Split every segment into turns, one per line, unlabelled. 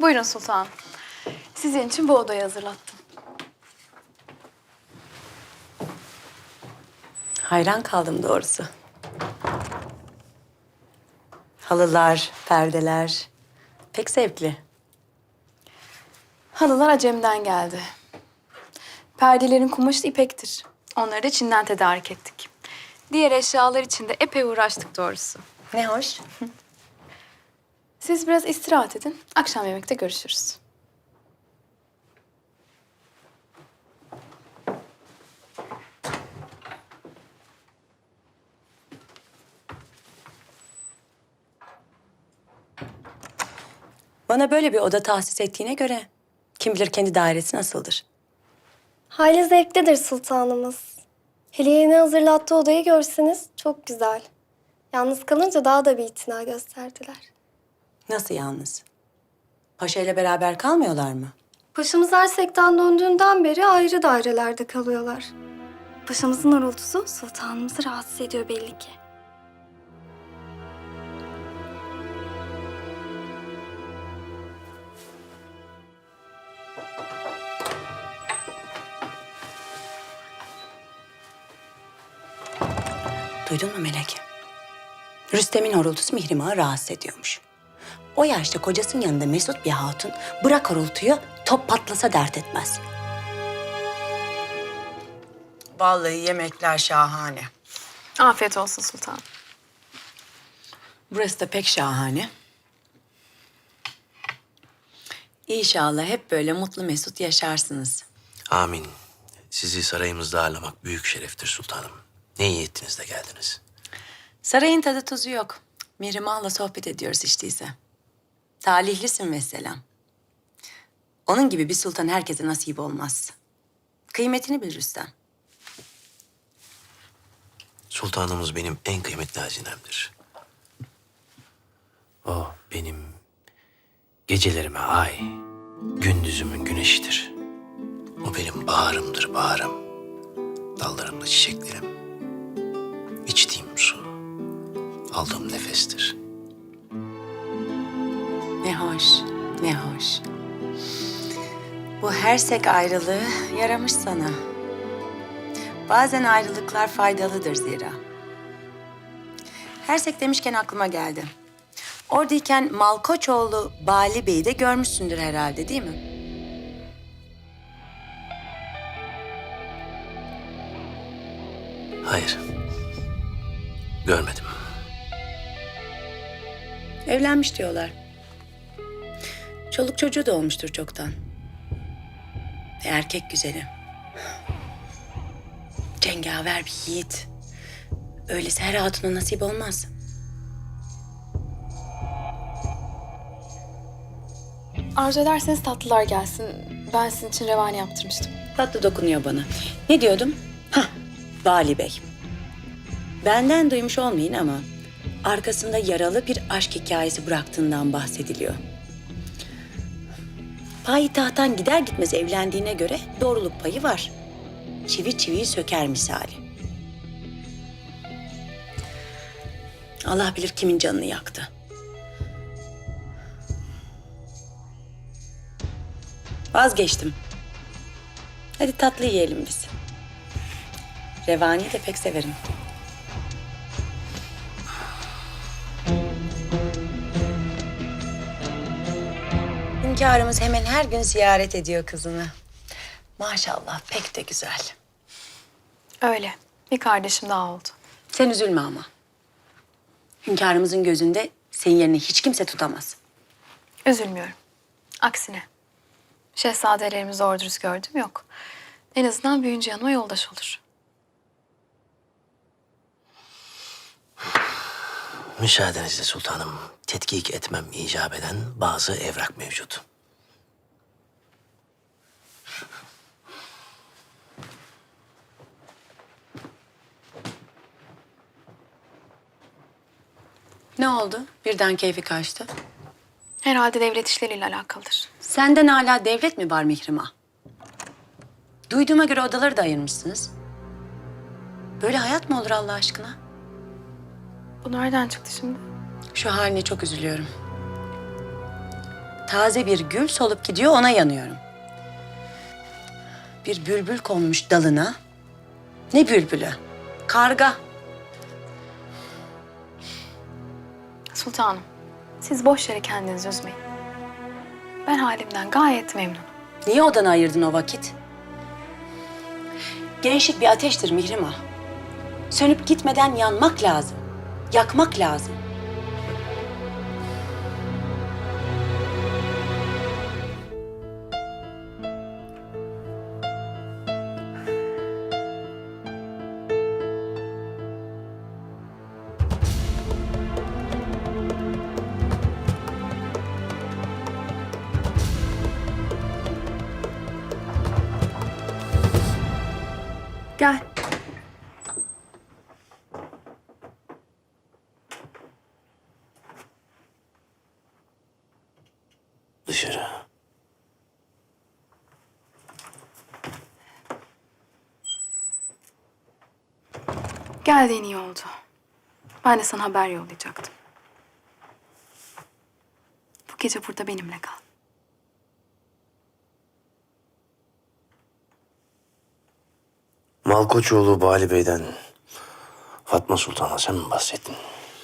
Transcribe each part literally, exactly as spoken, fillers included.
Buyurun sultanım. Sizin için bu odayı hazırlattım.
Hayran kaldım doğrusu. Halılar, perdeler pek zevkli.
Halılar Acem'den geldi. Perdelerin kumaşı ipektir. Onları da Çin'den tedarik ettik. Diğer eşyalar için de epey uğraştık doğrusu.
Ne hoş.
Siz biraz istirahat edin. Akşam yemekte görüşürüz.
Bana böyle bir oda tahsis ettiğine göre kim bilir kendi dairesi nasıldır.
Hayli zevklidir sultanımız. Hele yeni hazırlattığı odayı görseniz çok güzel. Yalnız kalınca daha da bir itina gösterdiler.
Nasıl yalnız? Paşa ile beraber kalmıyorlar mı?
Paşamız Ersek'ten döndüğünden beri ayrı dairelerde kalıyorlar. Paşamızın horultusu sultanımızı rahatsız ediyor belli ki.
Duydun mu Melek? Rüstem'in horultusu Mihrimah'ı rahatsız ediyormuş. O yaşta kocasının yanında mesut bir hatun bırak horultuyu top patlasa dert etmez. Vallahi yemekler şahane.
Afiyet olsun sultanım.
Burası da pek şahane. İnşallah hep böyle mutlu mesut yaşarsınız.
Amin. Sizi sarayımızda ağırlamak büyük şereftir sultanım. Ne iyi ettiniz de geldiniz.
Sarayın tadı tuzu yok. Mihrimah'la sohbet ediyoruz işte ise. Talihlisin mesela. Onun gibi bir sultan herkese nasip olmaz. Kıymetini bil Rüstem.
Sultanımız benim en kıymetli hazinemdir. O benim gecelerime ay, gündüzümün güneşidir. O benim baharımdır baharım. Dallarımda çiçeklerim. İçtiğim su, aldığım nefestir.
Ne hoş, ne hoş. Bu hersek ayrılığı yaramış sana. Bazen ayrılıklar faydalıdır zira. Hersek demişken aklıma geldi. Oradayken Malkoçoğlu Bali Bey'i de görmüşsündür herhalde değil mi?
Hayır, görmedim.
Evlenmiş diyorlar. Çoluk çocuğu da olmuştur çoktan. Ve erkek güzeli. Cengaver bir yiğit. Öylesi her hatuna nasip olmaz.
Arzu ederseniz tatlılar gelsin. Ben sizin için revani yaptırmıştım.
Tatlı dokunuyor bana. Ne diyordum? Hah, Vali Bey. Benden duymuş olmayın ama arkasında yaralı bir aşk hikayesi bıraktığından bahsediliyor. Payitahttan gider gitmez evlendiğine göre doğruluk payı var. Çivi çiviyi söker misali. Allah bilir kimin canını yaktı. Vazgeçtim. Hadi tatlı yiyelim biz. Revani'yi de pek severim. Hünkârımız hemen her gün ziyaret ediyor kızını. Maşallah pek de güzel.
Öyle. Bir kardeşim daha oldu.
Sen üzülme ama. Hünkârımızın gözünde senin yerini hiç kimse tutamaz.
Üzülmüyorum. Aksine. Şehzadelerimizi doğru dürüst gördüm yok. En azından büyüyünce yanıma yoldaş olur.
Müsaadenizle sultanım, tetkik etmem icap eden bazı evrak mevcut.
Ne oldu? Birden keyfi kaçtı.
Herhalde devlet işleriyle alakalıdır.
Senden hala devlet mi var Mihrimah? Duyduğuma göre odaları da ayırmışsınız. Böyle hayat mı olur Allah aşkına?
Bu nereden çıktı şimdi?
Şu haline çok üzülüyorum. taze bir gül solup gidiyor, ona yanıyorum. Bir bülbül konmuş dalına. Ne bülbülü? Karga.
Sultanım, siz boş yere kendinizi üzmeyin. Ben halimden gayet memnunum.
Niye odanı ayırdın o vakit? Gençlik bir ateştir Mihrimah. Sönüp gitmeden yanmak lazım. Yakmak lazım.
Gel.
Dışarı.
Geldiğin iyi oldu. Ben de sana haber yollayacaktım. Bu gece burada benimle kal.
Malkoçoğlu Bali Bey'den Fatma Sultan'a sen mi bahsettin?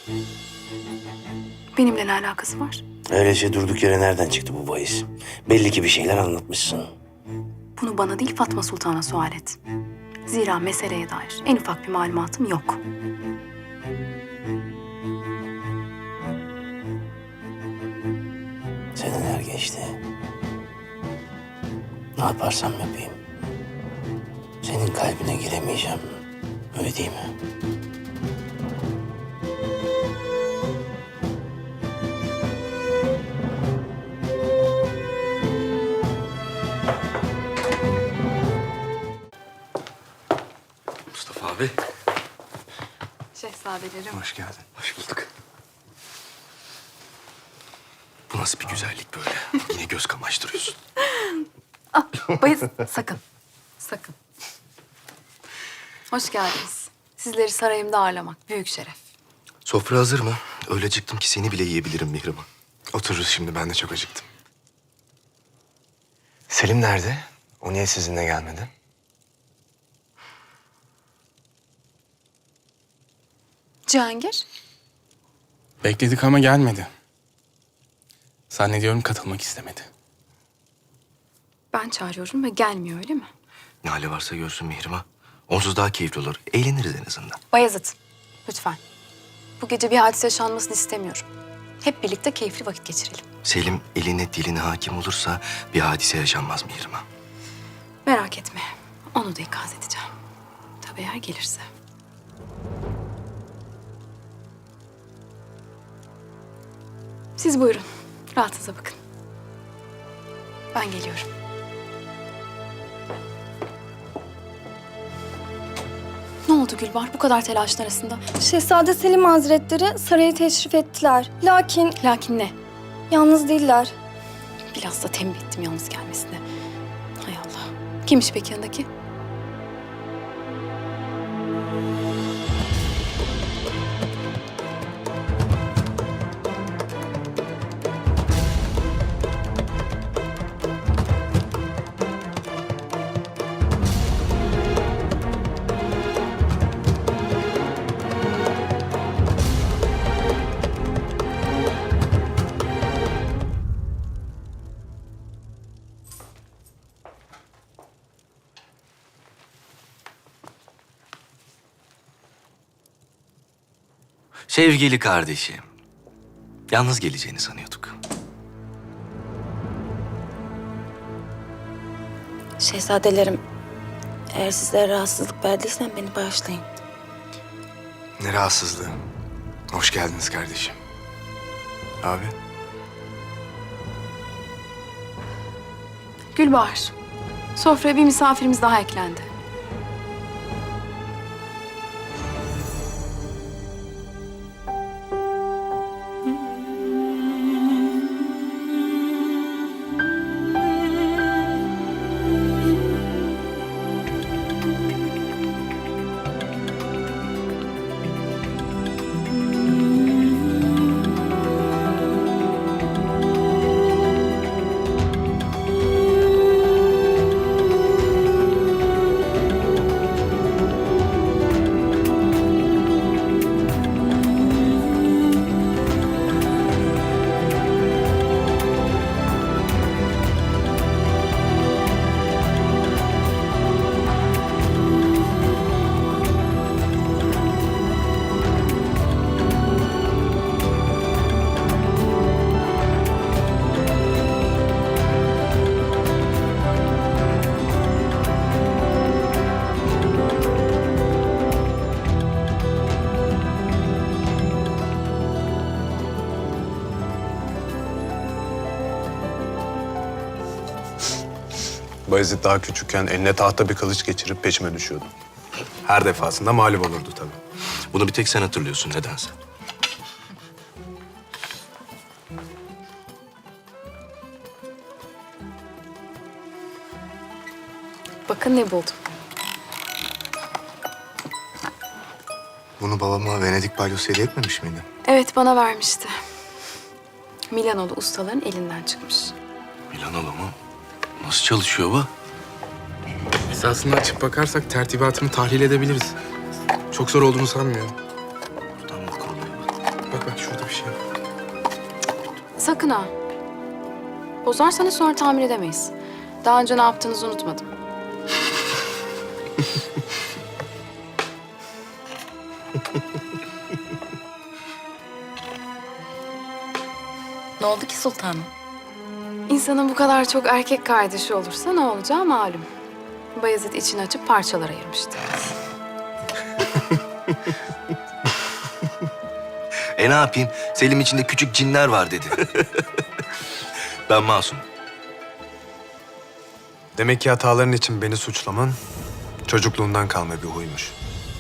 Benimle ne alakası var?
Öylece durduk yere nereden çıktı bu bahis? Belli ki bir şeyler anlatmışsın.
Bunu bana değil Fatma Sultan'a sual et. Zira meseleye dair en ufak bir malumatım yok.
Seneler geçti. Ne yaparsam yapayım. Senin kalbine giremeyeceğim. Öyle değil mi?
Mustafa abi.
Şehzadelerim.
Hoş geldin. Hoş bulduk. Bu nasıl bir güzellik böyle? Yine göz kamaştırıyorsun.
Ah, Bayezid sakın. Sakın. Hoş geldiniz. Sizleri sarayımda ağırlamak büyük şeref.
Sofra hazır mı? Öyle acıktım ki seni bile yiyebilirim Mihrimah. Otururuz şimdi, ben de çok acıktım. Selim nerede? O niye sizinle gelmedi?
Cihangir?
Bekledik ama gelmedi. Zannediyorum katılmak istemedi.
Ben çağırıyorum ve gelmiyor öyle mi?
Ne hali varsa görsün Mihrimah. Onsuz daha keyifli olur. Eğleniriz en azından.
Bayezid, lütfen. Bu gece bir hadise yaşanmasını istemiyorum. Hep birlikte keyifli vakit geçirelim.
Selim eline diline hakim olursa bir hadise yaşanmaz Mihrimah.
Merak etme. Onu da ikaz edeceğim. Tabii eğer gelirse. Siz buyurun. Rahatınıza bakın. Ben geliyorum. Ne oldu Gülbar bu kadar telaşın arasında?
Şehzade Selim Hazretleri saraya teşrif ettiler. Lakin
Lakin ne?
yalnız değiller.
Biraz da tembih ettim yalnız gelmesine. Hay Allah. Kimmiş peki yanındaki?
Sevgili kardeşim. Yalnız geleceğini sanıyorduk.
Şehzadelerim, eğer sizlere rahatsızlık verdiysem beni bağışlayın.
Ne rahatsızlığı. Hoş geldiniz kardeşim. Abi.
Gülbahar. Sofraya bir misafirimiz daha eklendi.
Bayezid daha küçükken eline tahta bir kılıç geçirip peşime düşüyordu. Her defasında mağlup olurdu tabii.
Bunu bir tek sen hatırlıyorsun nedense.
Bakın ne buldum.
Bunu babama Venedik balyosu hediye etmemiş miydin?
Evet, bana vermişti. Milanoğlu ustaların elinden çıkmış.
Milanoğlu mu? Nasıl çalışıyor bu?
Esasında açıp bakarsak tertibatını tahlil edebiliriz. Çok zor olduğunu sanmıyorum.
Buradan mı kuruluyor?
Bak bak şurada bir şey var.
Sakın ha. Bozarsanız sonra tamir edemeyiz. Daha önce ne yaptığınızı unutmadım.
Ne oldu ki sultanım?
İnsanın bu kadar çok erkek kardeşi olursa ne olacağı malum. Bayezid içini açıp parçalara ayırmıştı.
E ne yapayım? Selim içinde küçük cinler var dedi. Ben masum.
Demek ki hataların için beni suçlaman çocukluğundan kalma bir huymuş.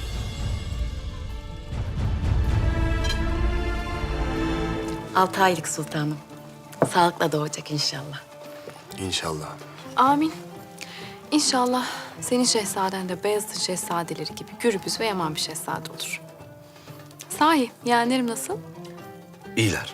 Altı aylık sultanım. Sağlıkla doğacak inşallah.
İnşallah.
Amin. İnşallah senin şehzaden de Beyazıt'ın şehzadeleri gibi gürbüz ve yaman bir şehzade olur. Sahi, yeğenlerim nasıl?
İyiler.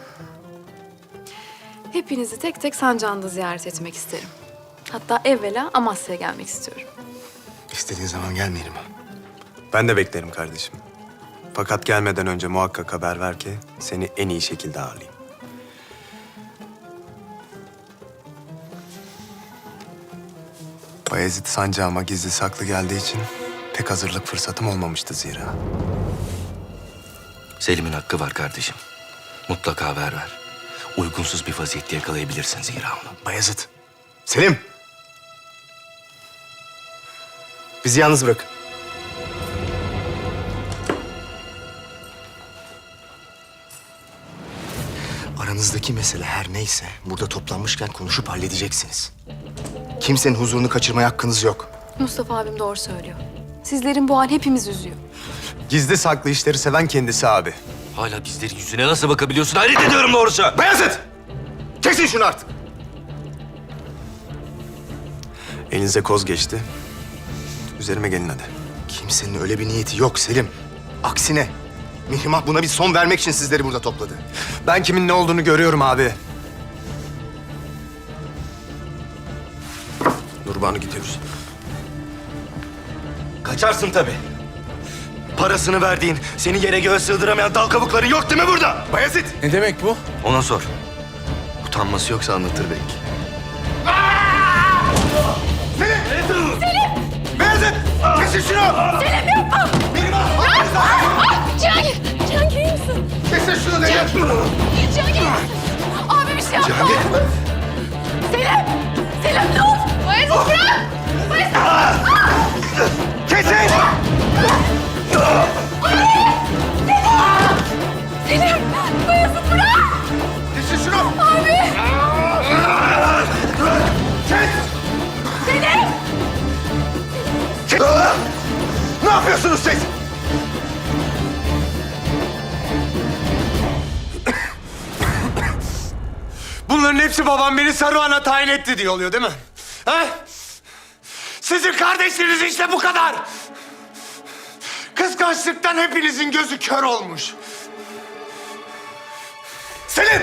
Hepinizi tek tek Sancağı'nda ziyaret etmek isterim. Hatta evvela Amasya'ya gelmek istiyorum.
İstediğin zaman gel Mihrimah.
Ben de beklerim kardeşim. Fakat gelmeden önce muhakkak haber ver ki seni en iyi şekilde ağırlayayım. Bayezid sancağıma gizli saklı geldiği için pek hazırlık fırsatım olmamıştı zira.
Selim'in hakkı var kardeşim. Mutlaka haber ver. Uygunsuz bir vaziyette yakalayabilirsin zira onu.
Bayezid. Selim. Bizi yalnız bırakın. Aranızdaki mesele her neyse burada toplanmışken konuşup halledeceksiniz. Kimsenin huzurunu kaçırmaya hakkınız yok.
Mustafa abim doğru söylüyor. Sizlerin bu hal hepimiz üzüyor.
Gizli saklı işleri seven kendisi abi.
Hala bizlerin yüzüne nasıl bakabiliyorsun? Hayret ediyorum doğrusu.
Bayezid! Kesin şunu artık.
Elinize koz geçti. Üzerime gelin hadi.
Kimsenin öyle bir niyeti yok Selim. Aksine Mihrimah buna bir son vermek için sizleri burada topladı.
Ben kimin ne olduğunu görüyorum abi. Nurban'ı gidiyoruz.
Kaçarsın tabii. Parasını verdiğin, seni yere göğe sığdıramayan dal kabukların yok değil mi burada?
Bayezid!
Ne demek bu?
Ona sor. Utanması yoksa anlatır belki.
Bayezid! Kesin şunu! Selim yapma! Mihrimah!
Cihangir! Cihangir iyi misin?
Kesin şunu dedim!
Cihangir! Abi bir şey yapma!
Cihangir!
Selim! Selim dur! Bayezid bırak!
Kesin!
Selim! Bayezid bırak!
Kesin şunu!
Abi!
Kes!
Selim!
Kes! Ne yapıyorsunuz siz?
Bunların hepsi babam beni Saruhan'a tayin etti diye oluyor değil mi? Ha? Sizin kardeşleriniz işte bu kadar. Kıskançlıktan hepinizin gözü kör olmuş. Selim!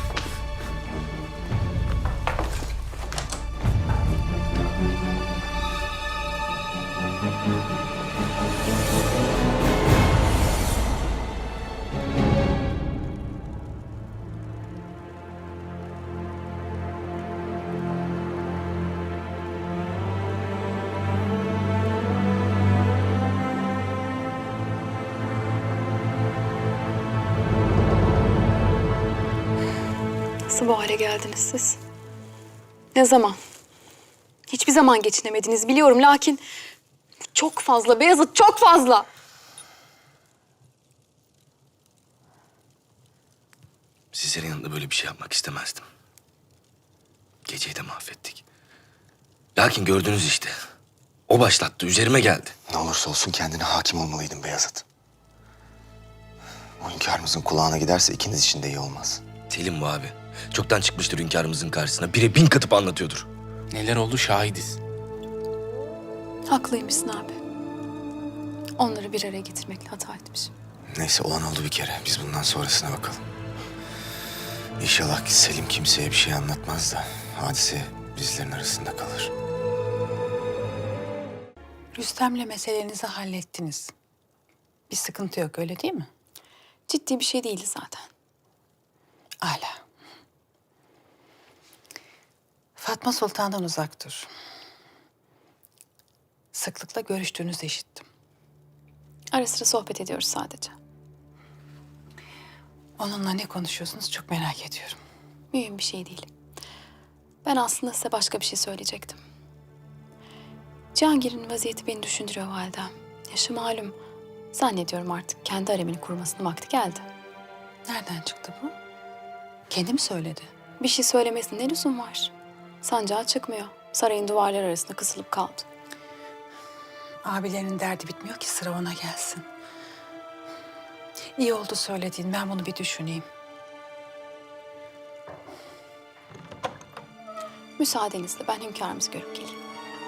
Nasıl bu hale geldiniz siz? Ne zaman? Hiçbir zaman geçinemediniz biliyorum lakin... Çok fazla Beyazıt, çok fazla.
Sizlerin yanında böyle bir şey yapmak istemezdim. Geceyi de mahvettik. Lakin gördünüz işte. O başlattı, üzerime geldi.
Ne olursa olsun kendine hakim olmalıydın Beyazıt. O hünkârımızın kulağına giderse ikiniz için de iyi olmaz.
Selim bu abi. Çoktan çıkmıştır hünkârımızın karşısına. Bire bin katıp anlatıyordur.
Neler oldu şahidiz.
Haklıymışsın abi. Onları bir araya getirmekle hata etmişim.
Neyse olan oldu bir kere. Biz bundan sonrasına bakalım. İnşallah Selim kimseye bir şey anlatmaz da hadise bizlerin arasında kalır.
Rüstem'le meselenizi hallettiniz. Bir sıkıntı yok, öyle değil mi?
Ciddi bir şey değildi zaten.
Âlâ. Fatma Sultan'dan uzak dur. Sıklıkla görüştüğünüzü işittim.
Ara sıra sohbet ediyoruz sadece.
Onunla ne konuşuyorsunuz çok merak ediyorum.
Mühim bir şey değil. Ben aslında size başka bir şey söyleyecektim. Cihangir'in vaziyeti beni düşündürüyor validem. Yaşı malum. Zannediyorum artık kendi haremini kurmasının vakti geldi.
Nereden çıktı bu? Kendi mi söyledi?
Bir şey söylemesine ne lüzum var? Sancağı çıkmıyor. Sarayın duvarları arasında kısılıp kaldı.
Abilerinin derdi bitmiyor ki sıra ona gelsin. İyi oldu söylediğin. Ben bunu bir düşüneyim.
Müsaadenizle ben hünkârımızı görüp geleyim.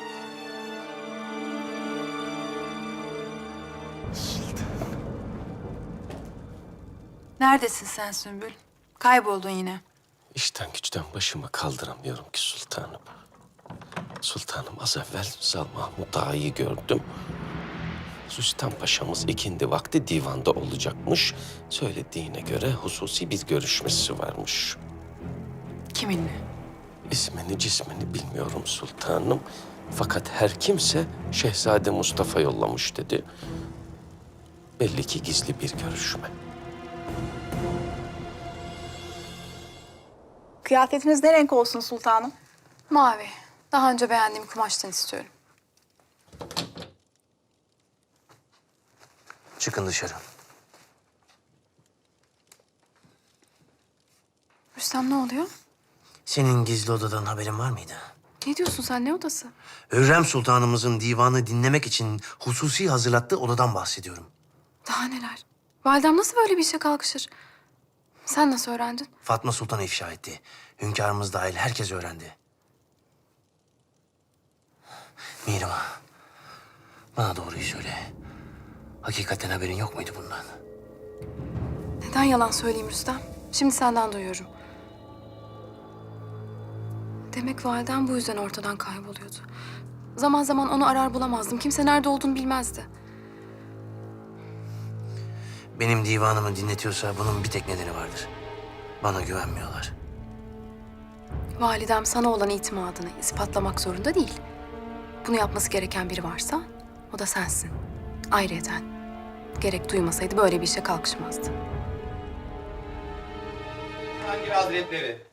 Neredesin sen Sümbül? Kayboldun yine.
İşten güçten başımı kaldıramıyorum ki sultanım. Sultanım az evvel Zal Mahmud Ağa'yı gördüm. Rüstem Paşa'mız ikindi vakti divanda olacakmış. Söylediğine göre hususi bir görüşmesi varmış.
Kiminle?
İsmini cismini bilmiyorum sultanım. Fakat her kimse Şehzade Mustafa yollamış dedi. Belli ki gizli bir görüşme.
Kıyafetiniz ne renk olsun sultanım?
Mavi. Daha önce beğendiğim kumaştan istiyorum.
Çıkın dışarı.
Rüstem ne oluyor?
Senin gizli odadan haberin var mıydı?
Ne diyorsun sen? Ne odası?
Hürrem Sultanımızın divanı dinlemek için hususi hazırlattığı odadan bahsediyorum.
Daha neler? Validem nasıl böyle bir işe kalkışır? Sen nasıl öğrendin?
Fatma Sultan ifşa etti. Hünkârımız dahil herkes öğrendi. Mihrimah, bana doğruyu söyle. Hakikaten haberin yok muydu bundan?
Neden yalan söyleyeyim Rüstem? Şimdi senden duyuyorum. Demek validem bu yüzden ortadan kayboluyordu. Zaman zaman onu arar bulamazdım. Kimse nerede olduğunu bilmezdi.
Benim divanımı dinletiyorsa bunun bir tek nedeni vardır. Bana güvenmiyorlar.
Validem sana olan itimadını ispatlamak zorunda değil. Bunu yapması gereken biri varsa o da sensin. Ayrıyeten gerek duymasaydı böyle bir işe kalkışmazdı.
Cihangir Hazretleri.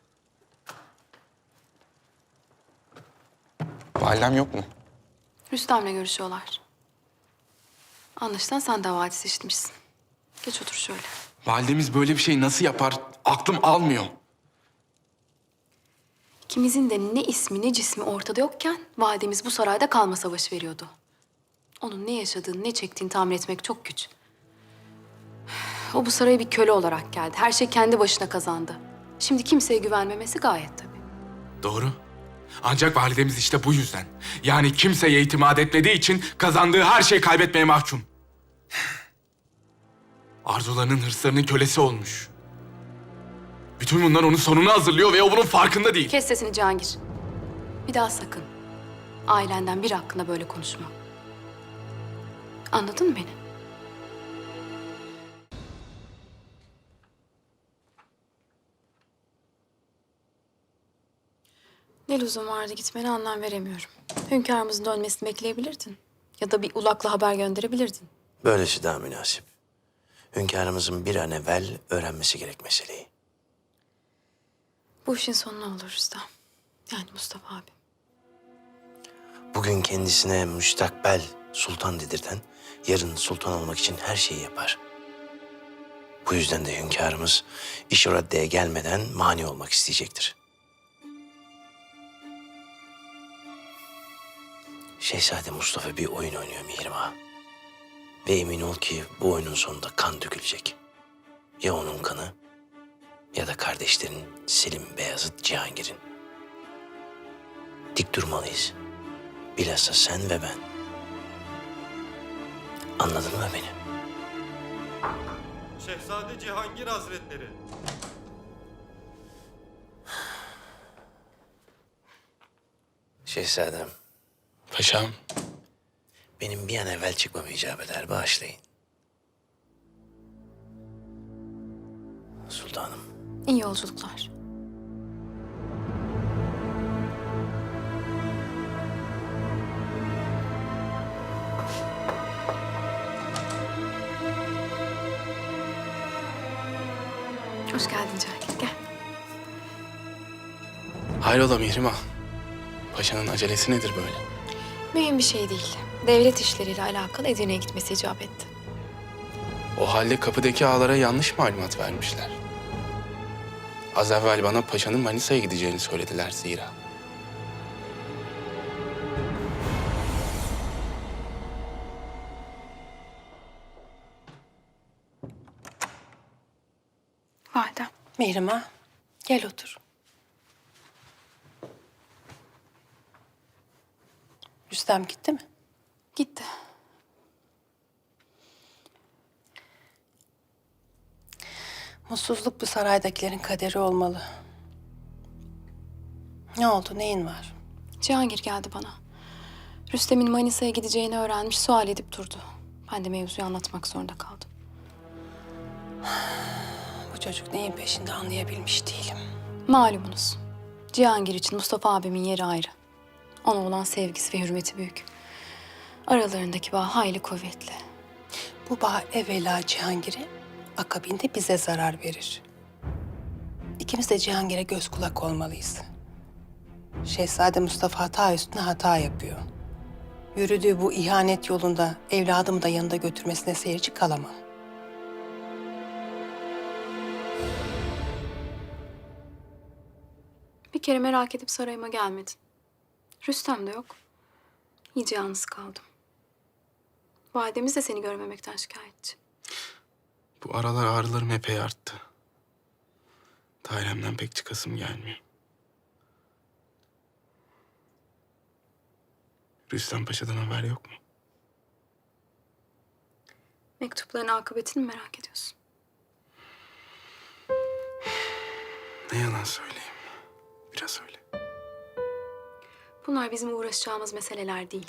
Validem yok mu?
Rüstem'le görüşüyorlar. Anlaşılan sen de havadis işitmişsin. Geç otur şöyle.
Validemiz böyle bir şey nasıl yapar? Aklım almıyor.
İkimizin de ne ismi ne cismi ortada yokken validemiz bu sarayda kalma savaşı veriyordu. Onun ne yaşadığını ne çektiğini tahmin etmek çok güç. O bu saraya bir köle olarak geldi. Her şey kendi başına kazandı. Şimdi kimseye güvenmemesi gayet tabii.
Doğru. Ancak validemiz işte bu yüzden. Yani kimseye itimat etmediği için kazandığı her şeyi kaybetmeye mahkum. Arzularının, hırslarının kölesi olmuş. Bütün bunlar onun sonunu hazırlıyor ve o bunun farkında değil.
Kes sesini Cihangir. Bir daha sakın. Ailenden biri hakkında böyle konuşma. Anladın mı beni? Ne lüzum vardı gitmene anlam veremiyorum. Hünkârımızın dönmesini bekleyebilirdin. Ya da bir ulakla haber gönderebilirdin.
Böylesi daha münasip. Hünkârımızın bir an evvel öğrenmesi gerek meseleyi.
Bu işin sonu ne olur Rüstem? Yani Mustafa abi.
Bugün kendisine müstakbel sultan dedirten, yarın sultan olmak için her şeyi yapar. Bu yüzden de hünkârımız iş o raddeye gelmeden mani olmak isteyecektir. Şehzade Mustafa bir oyun oynuyor Mihrimah. Ve emin ol ki bu oyunun sonunda kan dökülecek. Ya onun kanı ya da kardeşlerin Selim, Beyazıt, Cihangir'in. Dik durmalıyız. Bilhassa sen ve ben. Anladın mı beni?
Şehzade Cihangir Hazretleri.
Şehzadem,
Paşam.
benim bir an evvel çıkmam icap eder. Bağışlayın. Sultanım.
İyi yolculuklar. Hoş geldin Cahil. Gel.
Hayrola Mihrimah? Paşanın acelesi nedir böyle?
Mühim bir şey değil. Devlet işleriyle alakalı Edirne'ye gitmesi icap etti.
O halde kapıdaki ağalara yanlış malumat vermişler. Az evvel bana paşanın Manisa'ya gideceğini söylediler zira.
Validem.
Mihrimah, gel otur. Rüstem gitti mi?
Gitti.
Mutsuzluk bu saraydakilerin kaderi olmalı. Ne oldu, neyin var?
Cihangir geldi bana. Rüstem'in Manisa'ya gideceğini öğrenmiş, sual edip durdu. Ben de mevzuyu anlatmak zorunda kaldım.
Bu çocuk neyin peşinde anlayabilmiş değilim.
Malumunuz. Cihangir için Mustafa abimin yeri ayrı. Ona olan sevgisi ve hürmeti büyük. Aralarındaki bağ hayli kuvvetli.
Bu bağ evvela Cihangir'e, akabinde bize zarar verir. İkimiz de Cihangir'e göz kulak olmalıyız. Şehzade Mustafa hata üstüne hata yapıyor. Yürüdüğü bu ihanet yolunda evladımı da yanında götürmesine seyirci kalamam.
Bir kere merak edip sarayıma gelmedin. Rüstem de yok. İyice yalnız kaldım. Validemiz de seni görmemekten şikayetçi.
Bu aralar ağrılarım epey arttı. Dairemden pek çıkasım gelmiyor. Rüstem Paşa'dan haber yok mu?
Mektupların akıbetini mi merak ediyorsun?
Ne yalan söyleyeyim. Biraz öyle.
Bunlar bizim uğraşacağımız meseleler değil.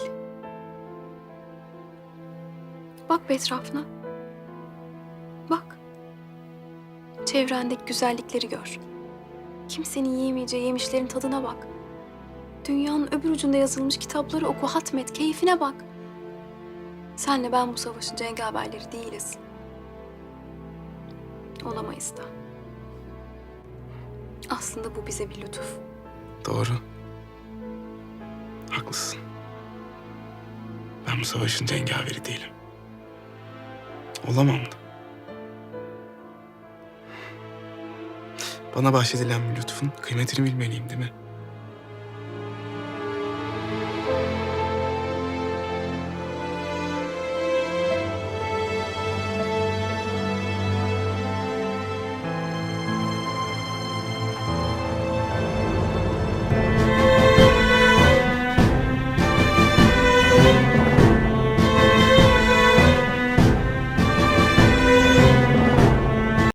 Bak bir etrafına. Bak. Çevrendeki güzellikleri gör. Kimsenin yiyemeyeceği yemişlerin tadına bak. Dünyanın öbür ucunda yazılmış kitapları oku, hatmet, keyfine bak. Senle ben bu savaşın cengaverleri değiliz. Olamayız da. Aslında bu bize bir lütuf.
Doğru. Haklısın. Ben bu savaşın cengaveri değilim. Olamam da. Bana bahşedilen bir lütfun kıymetini bilmeliyim değil mi?